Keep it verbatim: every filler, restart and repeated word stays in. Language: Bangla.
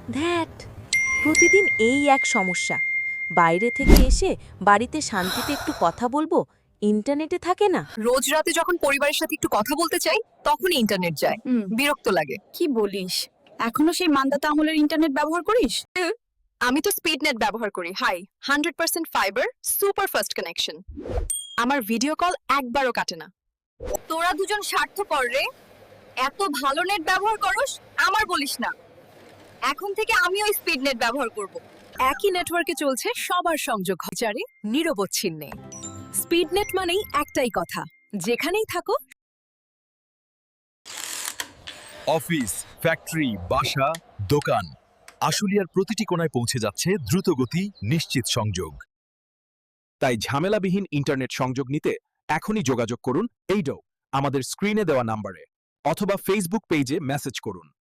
ধ্যাট, প্রতিদিন এই এক সমস্যা। বাইরে থেকে এসে বাড়িতে শান্তিতে একটু কথা বলবো, ইন্টারনেটে থাকে না। রোজ রাতে যখন পরিবারের সাথে একটু কথা বলতে চাই তখনই ইন্টারনেট যায়। হুম। বিরক্ত লাগে। কি বলিস, এখনো সেই মান্দাতা আমলের ইন্টারনেট ব্যবহার করিস? আমি তো স্পিড নেট ব্যবহার করি। Hi, hundred percent fibre, super fast connection. আমার ভিডিও কল একবারও কাটে না। তোরা দুজন স্বার্থপর রে, এত ভালো নেট ব্যবহার করস, আমার বলিস না। এখন থেকে আমিও স্পিড নেট ব্যবহার করব। একই নেটওয়ার্কে চলছে সবার সংযোগ, চারে নিরবচ্ছিন্নে। স্পিড নেট মানেই একটাই কথা, যেখানেই থাকো। অফিস, ফ্যাক্টরি, বাসা, দোকান, আশুলিয়ার প্রতিটি কোণায় পৌঁছে যাচ্ছে দ্রুতগতি নিশ্চিত সংযোগ। তাই ঝামেলাবিহীন ইন্টারনেট সংযোগ নিতে এখনই যোগাযোগ করুন এইডো আমাদের স্ক্রিনে দেওয়া নাম্বারে, অথবা ফেসবুক পেজে মেসেজ করুন।